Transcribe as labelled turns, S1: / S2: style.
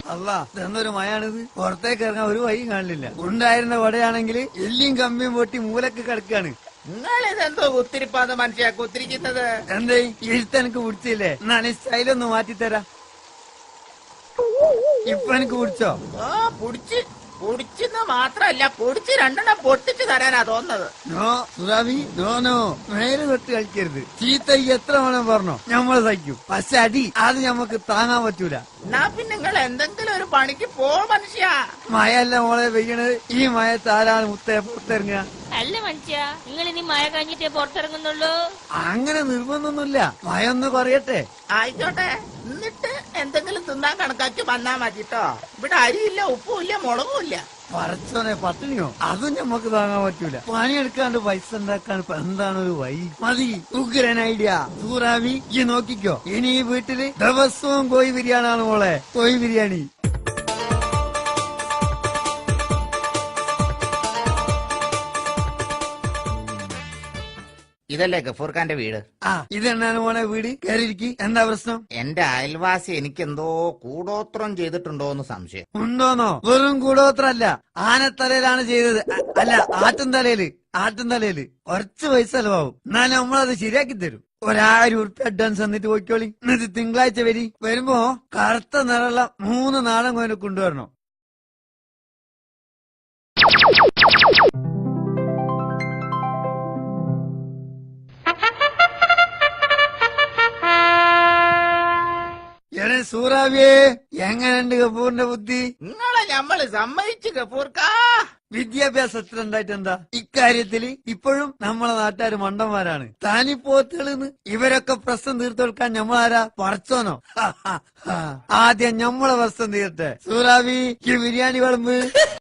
S1: അല്ല ഇതെന്നൊരു മയാണിത്. പുറത്തേക്ക് ഇറങ്ങാൻ ഒരു വഴിയും കാണില്ല. ഉണ്ടായിരുന്ന വടയാണെങ്കിൽ എല്ലിയും കമ്പിയും പൊട്ടി മൂലക്ക് കിടക്കാണ്.
S2: നിങ്ങളിതെന്തോ കുത്തിരിപ്പാന്ന് മനുഷ്യ കുത്തിരിക്കുന്നത്?
S1: എന്തേ എഴുത്ത് എനിക്ക് പിടിച്ചില്ലേ? എന്നാണ് സ്റ്റൈലൊന്ന് മാറ്റിത്തരാം. ഇപ്പൊ എനിക്ക് പിടിച്ചോ?
S2: ഓ പൊടിച്ചെന്ന് മാത്രല്ല പൊടിച്ച് രണ്ടെണ്ണം പൊട്ടിച്ചു തരാനാ തോന്നുന്നത്.
S1: നോ സുറാബി, നോ നേരെ തൊട്ട് കളിക്കരുത്. ചീത്ത എത്ര വേണം പറഞ്ഞോ, ഞമ്മള് സഹിക്കും. പക്ഷെ അടി അത് ഞമ്മക്ക് താങ്ങാൻ പറ്റൂല.
S2: എന്നാ പിന്നെ നിങ്ങൾ എന്തെങ്കിലും ഒരു പണിക്ക് പോ മനുഷ്യ.
S1: മഴയല്ല മോളെ പെയ്യണത്. ഈ മഴത്ത് ആരാണ് മുത്തേ പുറത്തിറങ്ങുക?
S3: അല്ല മനുഷ്യ, നിങ്ങൾ ഇനി മഴ കഴിഞ്ഞിട്ടേ പുറത്തിറങ്ങുന്നുള്ളൂ?
S1: അങ്ങനെ നിർബന്ധമൊന്നുമില്ല. മഴ ഒന്ന് കുറയട്ടെ.
S2: ആയിക്കോട്ടെ, എന്നിട്ട് എന്തെങ്കിലും തിന്നാൻ കണക്കാക്കി വന്നാ മതിട്ടോ. ഇവിടെ അരിയില്ല, ഉപ്പുമില്ല, മുളകുമില്ല.
S1: പറച്ചോനെ പട്ടിണിയോ? അതും ഞമ്മക്ക് താങ്ങാൻ പറ്റൂല. പണിയെടുക്കാണ്ട് പൈസ ഉണ്ടാക്കാൻ ഇപ്പൊ എന്താണ് ഒരു വഴി? മതി ഉഗ്രൻ ഐഡിയ. സൂറാവി ഈ നോക്കിക്കോ, ഇനി ഈ വീട്ടില് ദിവസവും കോഴി ബിരിയാണിയാണ് മോളെ. കോഴി ബിരിയാണി.
S2: ഇതല്ലേ ഗഫൂർ ഖാന്റെ വീട്?
S1: ഇതെന്നാണ് മോനെ വീട്? കയറിയിരിക്കി. എന്താ പ്രശ്നം?
S2: എന്റെ അയൽവാസി എനിക്കെന്തോ കൂടോത്രം ചെയ്തിട്ടുണ്ടോ എന്ന് സംശയം.
S1: ഉണ്ടോന്നോ? വെറും കൂടോത്രല്ല, ആനത്തലയിലാണ് ചെയ്തത്. അല്ല, ആട്ടുംതലയില് കുറച്ച് പൈസ ചെലവാകും. എന്നാലും നമ്മളത് ശരിയാക്കി തരും. 1000 ഉറുപ്പ്യ അഡ്വാൻസ് തന്നിട്ട് പോയിക്കോളി. എന്നിട്ട് തിങ്കളാഴ്ച വരുമ്പോ കറുത്ത നിറമുള്ള 3 നാടൻ കോയിനെ കൊണ്ടുവരണം. സൂറാവിയെ, എങ്ങനെയുണ്ട് ഗഫൂറിന്റെ ബുദ്ധി?
S2: നിങ്ങളെ ഞമ്മള് സമ്മതിച്ചു ഗഫൂർക്കാ.
S1: വിദ്യാഭ്യാസം എത്ര ഉണ്ടായിട്ട് എന്താ? ഇക്കാര്യത്തില് ഇപ്പോഴും നമ്മളെ നാട്ടുകാര് മണ്ടന്മാരാണ്. താനിപ്പോത്തുകളെന്ന് ഇവരൊക്കെ പ്രശ്നം തീർത്തു കൊടുക്കാൻ ഞമ്മളാരാ? പറച്ചോനോ? ആദ്യം ഞമ്മളെ പ്രശ്നം തീർത്തെ. സൂറാവി ഈ ബിരിയാണി വിളമ്പ്.